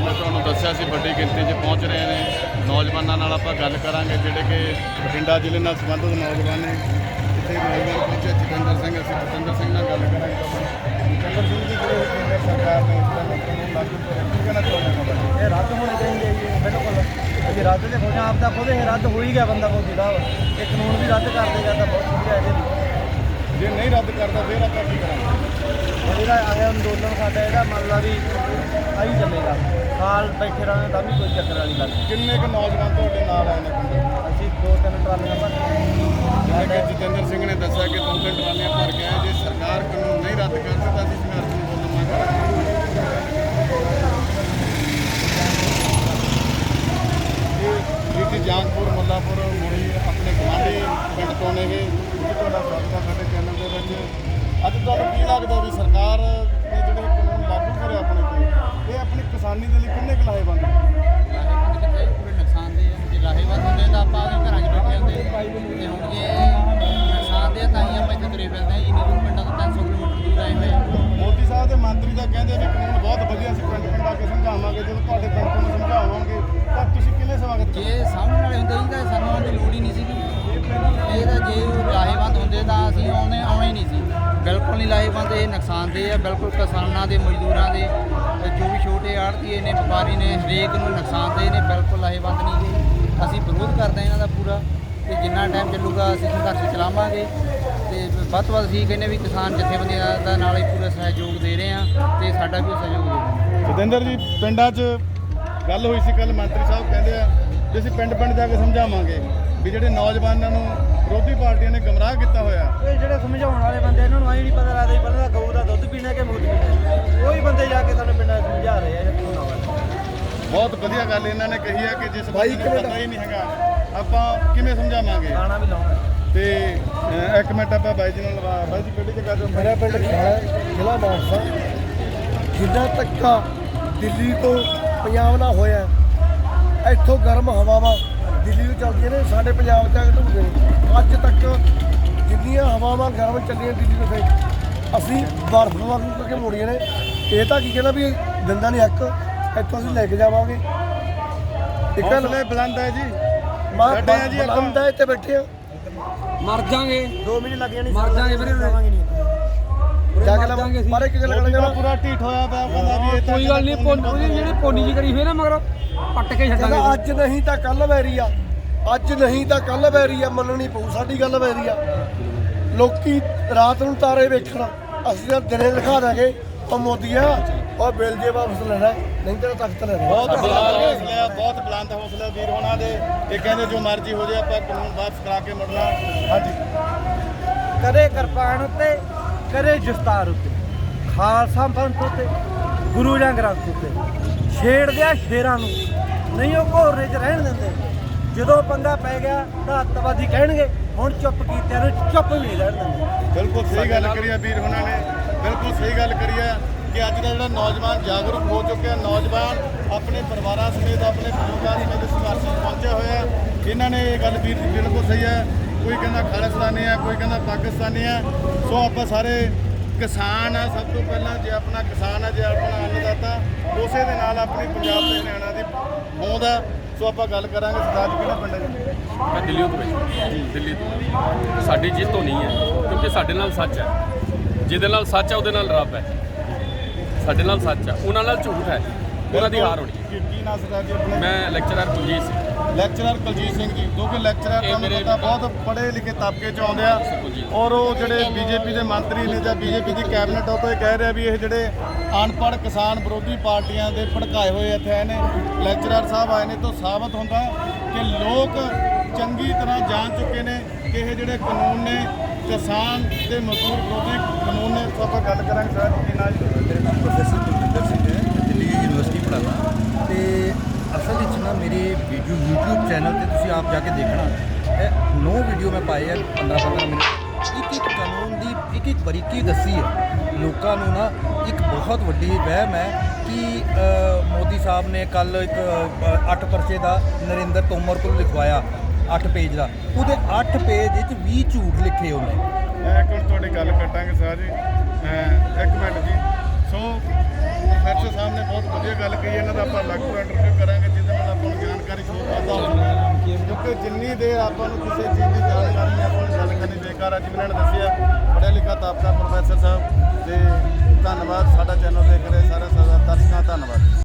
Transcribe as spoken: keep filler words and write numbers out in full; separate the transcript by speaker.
Speaker 1: मैं तुहानूं दस्सिया सी वड्डी गिनती च पहुँच रहे हैं नौजवानों नाल आपां गल करांगे जिहड़े कि बठिंडा जिले नाल संबंधित नौजवान ने इत्थे नौजवान पहुंचे जतिंदर सिंह असीं जतिंदर सिंह नाल गल करांगे जतिंदर सिंह जी जिहड़े केंद्र सरकार ने इस तरह कानून लागू करे की कहना चाहुंदे हो
Speaker 2: ये रद्द होने चाहिए जी बिल्कुल अभी रद्द तो हो आप तो खुद रद्द हो ही गया बंदा बहुत जिला ये कानून भी रद्द कर देगा तो बहुत ਵਧੀਆ है
Speaker 1: जे नहीं रद्द करता फिर आप की करांगे
Speaker 2: ਜਿਹੜਾ ਆਇਆ ਅੰਦੋਲਨ ਸਾਡਾ ਇਹਦਾ ਮਤਲਬ ਵੀ ਆਹੀ ਚੱਲੇਗਾ ਸਾਲ ਬੈਠੇ ਰਹਿਣਾ ਤਾਂ ਵੀ ਕੋਈ ਚੱਕਰ ਵਾਲੀ ਗੱਲ
Speaker 1: ਕਿੰਨੇ ਕੁ ਨੌਜਵਾਨ ਤੁਹਾਡੇ ਨਾਲ ਆਏ ਨੇ ਪਿੰਡ
Speaker 2: ਅਸੀਂ ਦੋ ਤਿੰਨ ਟਰਾਲੀਆਂ ਭਰ
Speaker 1: ਜਿਵੇਂ ਕਿ ਜਤਿੰਦਰ ਸਿੰਘ ਨੇ ਦੱਸਿਆ ਕਿ ਦੋ ਤਿੰਨ ਟਰਾਲੀਆਂ ਭਰ ਕੇ ਆਏ ਜੇ ਸਰਕਾਰ ਕਾਨੂੰਨ ਨਹੀਂ ਰੱਦ ਕਰਦੀ ਤਾਂ ਅਸੀਂ ਸੰਘਰਸ਼ ਨੂੰ ਬੋਲਣ ਮੰਗ ਕਰਾਂਗੇ ਜੀ ਜਾਨਪੁਰ ਮੁੱਲਾਪੁਰ ਮੁੜੀ ਆਪਣੇ ਗੁਆਂਢੀ ਪਿੰਡ ਤੋਂ ਨੇਗੇ ਤੁਹਾਡਾ ਸਵਾਗਤ ਹੈ ਸਾਡੇ ਚੈਨਲ ਦੇ ਵਿੱਚ ਅੱਜ ਤੁਹਾਨੂੰ ਕੀ ਲੱਗਦਾ ਵੀ ਸਰਕਾਰ ਨੇ ਜਿਹੜੇ ਕਾਨੂੰਨ ਲਾਗੂ ਕਰੇ ਆਪਣੇ ਤੇ ਇਹ ਆਪਣੀ ਕਿਸਾਨੀ ਦੇ ਲਈ ਕਿੰਨੇ ਕੁ ਲਾਹੇਵੰਦ ਨੇ
Speaker 3: ਲਾਹੇਵੰਦ ਕਿਤੇ ਪੂਰੇ ਨੁਕਸਾਨ ਦੇ ਆ ਜੇ ਲਾਹੇਵੰਦ ਹੁੰਦੇ ਤਾਂ ਆਪਾਂ ਆਪਣੇ ਘਰਾਂ 'ਚ ਬੈਠੇ ਹੁੰਦੇ ਤੇ ਹੁਣ ਜੇ ਨੁਕਸਾਨ ਦੇ ਤਾਂ ਹੀ ਆਪਾਂ ਇੱਥੇ ਤੁਰੇ ਫਿਰਦੇ ਹਾਂ ਇੰਨੀ ਦੂਰ ਪਿੰਡਾਂ ਤੋਂ ਤਿੰਨ ਸੌ ਕਿਲੋਮੀਟਰ ਦੂਰ ਆਏ ਹੋਏ
Speaker 1: ਮੋਦੀ ਸਾਹਿਬ ਦੇ ਮੰਤਰੀ ਤਾਂ ਕਹਿੰਦੇ ਵੀ ਕਾਨੂੰਨ ਬਹੁਤ ਵਧੀਆ ਸੀ ਪਿੰਡ ਪਿੰਡ ਆ ਕੇ ਸਮਝਾਵਾਂਗੇ ਜਦੋਂ ਤੁਹਾਡੇ ਪਿੰਡ ਨੂੰ ਸਮਝਾਵਾਂਗੇ ਤਾਂ ਤੁਸੀਂ ਕਿਵੇਂ ਸਵਾਗਤ
Speaker 3: ਜੇ ਸਾਹਮਣੇ ਵਾਲੇ ਹੁੰਦੇ ਜੀ ਤਾਂ ਸਾਨੂੰ ਆਉਣ ਦੀ ਲੋੜ ਹੀ ਨਹੀਂ ਸੀਗੀ ਇਹ ਤਾਂ ਜੇ ਲਾਹੇਵੰਦ ਹੁੰਦੇ ਤਾਂ ਅਸੀਂ ਆਉਣੇ ਆਉਣਾ ਹੀ ਨਹੀਂ ਸੀ ਬਿਲਕੁਲ ਨਹੀਂ ਲਾਹੇਵੰਦ ਇਹ ਨੁਕਸਾਨਦੇਹ ਹੈ ਬਿਲਕੁਲ ਕਿਸਾਨਾਂ ਦੇ ਮਜ਼ਦੂਰਾਂ ਦੇ ਜੋ ਵੀ ਛੋਟੇ ਆੜ੍ਹਤੀਏ ਨੇ ਵਪਾਰੀ ਨੇ ਹਰੇਕ ਨੂੰ ਨੁਕਸਾਨਦੇਹ ਨੇ ਬਿਲਕੁਲ ਲਾਹੇਵੰਦ ਨਹੀਂ ਗੇ ਅਸੀਂ ਵਿਰੋਧ ਕਰਦੇ ਹਾਂ ਇਹਨਾਂ ਦਾ ਪੂਰਾ ਤੇ ਜਿੰਨਾ ਟਾਈਮ ਚੱਲੂਗਾ ਅਸੀਂ ਸੰਘਰਸ਼ ਚਲਾਵਾਂਗੇ ਤੇ ਵੱਧ ਤੋਂ ਵੱਧ ਅਸੀਂ ਕਹਿੰਦੇ ਵੀ ਕਿਸਾਨ ਜਥੇਬੰਦੀਆਂ ਦਾ ਨਾਲ ਹੀ ਪੂਰਾ ਸਹਿਯੋਗ ਦੇ ਰਹੇ ਹਾਂ ਤੇ ਸਾਡਾ ਵੀ ਸਹਿਯੋਗ ਦੇ ਰਹੇ
Speaker 1: ਜਤਿੰਦਰ ਜੀ ਪਿੰਡਾਂ 'ਚ ਗੱਲ ਹੋਈ ਸੀ ਕੱਲ ਮੰਤਰੀ ਸਾਹਿਬ ਕਹਿੰਦੇ ਆ ਵੀ ਅਸੀਂ ਪਿੰਡ ਪਿੰਡ ਜਾ ਕੇ ਸਮਝਾਵਾਂਗੇ ਵੀ ਜਿਹੜੇ ਨੌਜਵਾਨਾਂ ਨੂੰ ਵਿਰੋਧੀ ਪਾਰਟੀਆਂ ਨੇ ਗਮਰਾਹ ਕੀਤਾ ਹੋਇਆ
Speaker 2: ਇਹ ਜਿਹੜੇ ਸਮਝਾਉਣ ਵਾਲੇ ਬੰਦੇ ਇਹਨਾਂ ਨੂੰ ਆਈ ਨਹੀਂ ਪਤਾ ਲੱਗਦਾ ਪਹਿਲਾਂ ਗਊ ਦਾ ਦੁੱਧ ਪੀਣਾ ਕਿ ਮੂਤ ਪੀਣਾ ਕੋਈ ਬੰਦੇ ਜਾ ਕੇ ਸਾਨੂੰ ਪਿੰਡਾਂ ਸਮਝਾ ਰਹੇ ਆ ਕਾਨੂੰਨ ਵਾਲੇ
Speaker 1: ਬਹੁਤ ਵਧੀਆ ਗੱਲ ਇਹਨਾਂ ਨੇ ਕਹੀ ਹੈ ਕਿ ਜਿਸ ਬਾਈ ਪਤਾ ਹੀ ਨਹੀਂ ਹੈਗਾ ਆਪਾਂ ਕਿਵੇਂ ਸਮਝਾਵਾਂਗੇ
Speaker 2: ਖਾਣਾ ਵੀ ਲਾਉਣਾ
Speaker 1: ਤੇ ਅਹ, ਇੱਕ ਮਿੰਟ ਆਪਾਂ ਬਾਈ ਜੀ ਨਾਲ ਲਵਾ ਬਾਈ ਜੀ ਕਿਹੜੀ ਜਗ੍ਹਾ ਤੋਂ
Speaker 4: ਮੇਰਾ ਪਿੰਡ ਖਿਆਲਾ ਜ਼ਿਲ੍ਹਾ ਮਾਨਸਾ ਜਿੱਦਾਂ ਧੱਕਾ ਦਿੱਲੀ ਤੋਂ ਪੰਜਾਬ ਨਾਲ ਹੋਇਆ ਇੱਥੋਂ ਗਰਮ ਹਵਾਵਾਂ ਦਿੱਲੀ ਨੂੰ ਚੱਲਦੀਆਂ ਨੇ ਸਾਡੇ ਪੰਜਾਬ 'ਚ ਆ ਕੇ ਢੁੱਕਦੇ ਨੇ ਅੱਜ ਤੱਕ ਜਿੰਨੀਆਂ ਹਵਾਵਾਂ ਗਰਮ ਚੱਲੀਆਂ ਦਿੱਲੀ ਤੋਂ ਫਿਰ ਅਸੀਂ ਬਰਫ਼ ਵਾਂਗੂ ਕਰਕੇ ਮੋੜੀਆਂ ਨੇ ਇਹ ਤਾਂ ਕੀ ਕਹਿੰਦਾ ਵੀ ਦਿੰਦਾ ਨਹੀਂ ਹੱਕ ਇੱਥੋਂ ਅਸੀਂ ਲੈ ਕੇ ਜਾਵਾਂਗੇ ਇੱਕ
Speaker 1: ਹੌਸਲੇ ਬੁਲੰਦ ਹੈ ਜੀ
Speaker 4: ਮਾਂ
Speaker 1: ਬੈਠੇ ਆ ਜੀ ਆਪਾਂ।
Speaker 4: ਬਲੰਦ ਹੈ ਇੱਥੇ ਬੈਠੇ ਆ
Speaker 2: ਮਰ ਜਾਾਂਗੇ ਦੋ ਮਹੀਨੇ ਲੱਗ ਜਾਣੇ
Speaker 4: ਮਰ ਜਾਾਂਗੇ ਵੀਰੇ
Speaker 2: ਜਾਵਾਂਗੇ ਨਹੀਂ
Speaker 4: ਜਾ ਕੇ ਲਵਾਂਗੇ ਪਰ ਇੱਕ ਗੱਲ
Speaker 1: ਮੋਦੀ ਦਾ
Speaker 4: ਕਰਨਾ
Speaker 1: ਪੂਰਾ ਢੀਠ ਹੋਇਆ ਪਿਆ ਉਹ ਕਹਿੰਦਾ ਵੀ ਇਹ ਤਾਂ
Speaker 2: ਕੋਈ ਗੱਲ ਨਹੀਂ ਪੋਨੀ ਜਿਹੜੀ ਪੋਨੀ ਜੀ ਕਰੀ ਹੋਈ ਨਾ ਮਗਰ ਪੱਟ ਕੇ ਛੱਡਾਂਗੇ
Speaker 4: ਕਹਿੰਦਾ ਅੱਜ ਨਹੀਂ ਤਾਂ ਕੱਲ ਵੈਰੀ ਆ ਅੱਜ ਨਹੀਂ ਤਾਂ ਕੱਲ ਵੈਰੀ ਆ ਮੰਨਣੀ ਪਊ ਸਾਡੀ ਗੱਲ ਵੈਰੀ ਆ ਲੋਕੀ ਰਾਤ ਨੂੰ ਤਾਰੇ ਵੇਖਣ ਅਸੀਂ ਤਾਂ ਦਿਨੇ ਦਿਖਾ ਦਾਂਗੇ ਉਹ ਮੋਦੀਆ ਉਹ ਬਿੱਲ ਜੇ ਵਾਪਸ ਲੈਣਾ ਨਹੀਂ ਤੇਰਾ ਤਖਤ ਲੈਣਾ
Speaker 1: ਬਹੁਤ ਬੁਲੰਦ ਹੌਸਲਾ ਬਹੁਤ ਬੁਲੰਦ ਹੌਸਲਾ ਵੀਰ ਹੋਣਾ ਦੇ ਇਹ ਕਹਿੰਦੇ ਜੋ ਮਰਜ਼ੀ ਹੋ ਜਾਏ ਆਪਾਂ ਕਾਨੂੰਨ ਵਾਪਸ ਕਰਾ ਕੇ ਮੁੜਨਾ ਹਾਂਜੀ
Speaker 2: ਕਦੇ ਕਿਰਪਾਨ ਉੱਤੇ ਕਦੇ ਜਸਤਾਰ ਉੱਤੇ ਖਾਲਸਾ ਪੰਥ ਉੱਤੇ ਗੁਰੂ ਜਾਂ ਗ੍ਰੰਥ ਉੱਤੇ ਛੇੜਦੇ ਆ ਸ਼ੇਰਾਂ ਨੂੰ ਨਹੀਂ ਉਹ ਘੋਰਨੇ 'ਚ ਰਹਿਣ ਦਿੰਦੇ ਜਦੋਂ ਪੰਗਾ ਪੈ ਗਿਆ ਤਾਂ ਅੱਤਵਾਦੀ ਕਹਿਣਗੇ ਹੁਣ ਚੁੱਪ ਕੀਤਿਆਂ ਨੂੰ ਚੁੱਪ ਵੀ ਨਹੀਂ ਰਹਿਣ ਦਿੰਦੇ
Speaker 1: ਬਿਲਕੁਲ ਸਹੀ ਗੱਲ ਕਰੀ ਆ ਵੀਰ ਹੋਣਾ ਨੇ ਬਿਲਕੁਲ ਸਹੀ ਗੱਲ ਕਰੀ ਆ ਕਿ ਅੱਜ ਦਾ ਜਿਹੜਾ ਨੌਜਵਾਨ ਜਾਗਰੂਕ ਹੋ ਚੁੱਕਿਆ ਨੌਜਵਾਨ ਆਪਣੇ ਪਰਿਵਾਰਾਂ ਸਮੇਤ ਆਪਣੇ ਬਜ਼ੁਰਗਾਂ ਸਮੇਤ ਸੰਘਰਸ਼ 'ਚ ਪਹੁੰਚਿਆ ਹੋਇਆ ਇਹਨਾਂ ਨੇ ਇਹ ਗੱਲ ਵੀਰ ਦੀ ਬਿਲਕੁਲ ਸਹੀ ਹੈ ਕੋਈ ਕਹਿੰਦਾ ਖਾਲਿਸਤਾਨੀ ਹੈ ਕੋਈ ਕਹਿੰਦਾ ਪਾਕਿਸਤਾਨੀ ਹੈ ਸੋ ਆਪਾਂ ਸਾਰੇ ਕਿਸਾਨ ਆ ਸਭ ਤੋਂ ਪਹਿਲਾਂ ਜੇ ਆਪਣਾ ਕਿਸਾਨ ਹੈ ਜੇ ਆਪਣਾ ਅੰਨਦਾਤਾ ਉਸੇ ਦੇ ਨਾਲ ਆਪਣੀ ਪੰਜਾਬ ਦੇ ਹਰਿਆਣਾ ਦੀ ਹੋਂਦ ਆ ਸੋ ਆਪਾਂ ਗੱਲ ਕਰਾਂਗੇ ਸਰਦਾਰ ਜੀ ਕਿਹੜਾ ਪਿੰਡ ਹੈ ਜੀ
Speaker 5: ਮੈਂ ਦਿੱਲੀ ਤੋਂ ਜੀ ਦਿੱਲੀ ਤੋਂ ਸਾਡੀ ਜਿੱਤ ਹੋਣੀ ਹੈ ਕਿਉਂਕਿ ਸਾਡੇ ਨਾਲ ਸੱਚ ਹੈ ਜਿਹਦੇ ਨਾਲ ਸੱਚ ਹੈ ਉਹਦੇ ਨਾਲ ਰੱਬ ਹੈ ਸਾਡੇ ਨਾਲ ਸੱਚ ਹੈ ਉਹਨਾਂ ਨਾਲ ਝੂਠ ਹੈ ਉਹਨਾਂ ਦੀ ਹਾਰ ਹੋਣੀ ਹੈ
Speaker 1: ਕੀ ਕੀ ਨਾਮ ਸਰਦਾਰ ਜੀ ਆਪਣੇ
Speaker 5: ਮੈਂ ਲੈਕਚਰਰ ਕੁਲਜੀਤ ਸਿੰਘ
Speaker 1: ਲੈਕਚਰਰ ਕੁਲਜੀਤ ਸਿੰਘ ਜੀ ਕਿਉਂਕਿ ਲੈਕਚਰਰ
Speaker 5: ਇਹ
Speaker 1: ਤੁਹਾਨੂੰ
Speaker 5: ਮੇਰੇ
Speaker 1: ਪਤਾ ਬਹੁਤ ਪੜ੍ਹੇ ਲਿਖੇ ਤਬਕੇ 'ਚ ਆਉਂਦੇ ਆ
Speaker 5: ਕੁਲਜੀਤ।
Speaker 1: ਔਰ ਉਹ ਜਿਹੜੇ ਬੀਜੇਪੀ ਦੇ ਮੰਤਰੀ ਨੇ ਜਾਂ ਬੀਜੇਪੀ ਦੀ ਕੈਬਨਿਟ ਉਹ ਤੋਂ ਇਹ ਕਹਿ ਰਿਹਾ ਵੀ ਇਹ ਜਿਹੜੇ ਅਨਪੜ੍ਹ ਕਿਸਾਨ ਵਿਰੋਧੀ ਪਾਰਟੀਆਂ ਦੇ ਭੜਕਾਏ ਹੋਏ ਇੱਥੇ ਆਏ ਨੇ ਲੈਕਚਰਰ ਸਾਹਿਬ ਆਏ ਨੇ ਤਾਂ ਸਾਬਤ ਹੁੰਦਾ ਕਿ ਲੋਕ ਚੰਗੀ ਤਰ੍ਹਾਂ ਜਾਣ ਚੁੱਕੇ ਨੇ ਕਿ ਇਹ ਜਿਹੜੇ ਕਾਨੂੰਨ ਨੇ ਕਿਸਾਨ ਤੇ ਮਜ਼ਦੂਰ ਵਿਰੋਧੀ ਕਾਨੂੰਨ ਨੇ ਸੋ ਆਪਾਂ ਗੱਲ ਕਰਾਂਗੇ ਸਰ ਕੀ ਨਾਲ
Speaker 6: मेरा नाम प्रोफेसर कुलविंदर सिंह है मैं दिल्ली यूनिवर्सिटी पढ़ाना तो असल ਵਿੱਚ ਨਾ ਮੇਰੇ ਵੀਡੀਓ YouTube ਚੈਨਲ ਤੇ ਤੁਸੀਂ ਆਪ ਜਾ ਕੇ ਦੇਖਣਾ ਇਹ ਨੌ ਵੀਡੀਓ ਮੈਂ ਪਾਏ ਆ ਪੰਦਰਾਂ ਪੰਦਰਾਂ ਮਿੰਟ ਇੱਕ ਇੱਕ ਕਾਨੂੰਨ ਦੀ ਇੱਕ ਇੱਕ ਬਰੀਕੀ ਦੱਸੀ ਹੈ ਲੋਕਾਂ ਨੂੰ ਨਾ ਇੱਕ ਬਹੁਤ ਵੱਡੀ ਵਹਿਮ ਹੈ ਕਿ ਮੋਦੀ ਸਾਹਿਬ ਨੇ ਕੱਲ ਇੱਕ ਅੱਠ ਪਰਚੇ ਦਾ ਨਰਿੰਦਰ ਤੋਮਰ ਕੋਲ ਲਿਖਵਾਇਆ ਅੱਠ ਪੇਜ ਦਾ ਉਹਦੇ ਅੱਠ ਪੇਜ ਵਿੱਚ ਵੀਹ ਝੂਠ ਲਿਖੇ ਉਹਨੇ
Speaker 1: ਇੱਕ ਮਿੰਟ ਤੁਹਾਡੀ ਗੱਲ ਕੱਟਾਂਗੇ ਸਰ ਜੀ ਇੱਕ ਮਿੰਟ ਜੀ ਸੋ ਪ੍ਰੋਫੈਸਰ ਸਾਹਿਬ ਨੇ ਬਹੁਤ ਵਧੀਆ ਗੱਲ ਕਹੀ, ਇਹਨਾਂ ਦਾ ਆਪਾਂ ਅਲੱਗ ਤੋਂ ਇੰਟਰਵਿਊ ਕਰਾਂਗੇ ਜਿਹਦੇ ਨਾਲ ਆਪਾਂ ਨੂੰ ਜਾਣਕਾਰੀ ਹੋਰ ਵਾਧਾ ਹੋਵੇਗੀ, ਕਿਉਂਕਿ ਜਿੰਨੀ ਦੇਰ ਆਪਾਂ ਨੂੰ ਕਿਸੇ ਚੀਜ਼ ਦੀ ਜਾਣਕਾਰੀ ਨਹੀਂ, ਆਪਾਂ ਨੂੰ ਗੱਲ ਕਰਨੀ ਬੇਕਾਰ ਆ। ਜਿਵੇਂ ਇਹਨਾਂ ਨੇ ਦੱਸਿਆ, ਪੜ੍ਹਿਆ ਲਿਖਾ ਤਾਬਕਾ ਪ੍ਰੋਫੈਸਰ ਸਾਹਿਬ, ਤੇ ਧੰਨਵਾਦ ਸਾਡਾ